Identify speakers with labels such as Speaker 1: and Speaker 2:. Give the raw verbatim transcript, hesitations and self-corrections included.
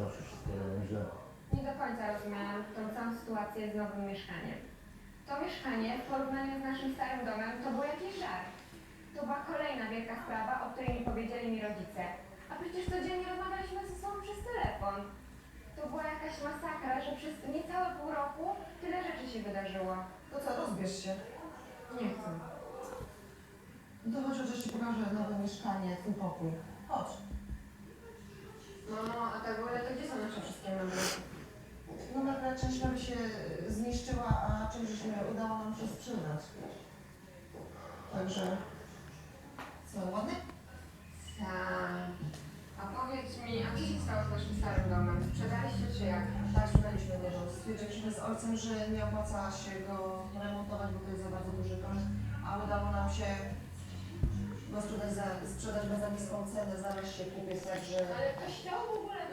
Speaker 1: zawsze wszystko robią źle.
Speaker 2: Nie do końca rozumiałam tą całą sytuację z nowym mieszkaniem. To mieszkanie w porównaniu z naszym starym domem to był jakiś żart. To była kolejna wielka sprawa, o której nie powiedzieli mi rodzice. A przecież codziennie rozmawialiśmy ze sobą przez telefon. To była jakaś masakra, że przez niecałe pół roku tyle rzeczy się wydarzyło.
Speaker 3: To co, rozbierz się.
Speaker 2: Nie chcę.
Speaker 3: No to chodź, chociaż ci pokażę nowe mieszkanie, twój pokój. Chodź.
Speaker 2: Mamo, a tak w ogóle to gdzie są nasze wszystkie meble?
Speaker 3: No nagle część mebli się zniszczyła, a część żeśmy udało nam się sprzedać. Także... Co, ładnie?
Speaker 2: Tak. A powiedz mi, a co się stało z naszym starym domem? Sprzedaliście czy jak?
Speaker 3: Tak, sprzedaliśmy go. Stwierdziliśmy z ojcem, że nie opłaca się go remontować, bo to jest za bardzo duży koszt, a udało nam się go sprzedać, za, sprzedać za niską cenę, zaraz się kupiec, także...
Speaker 2: Ale to chciał w ogóle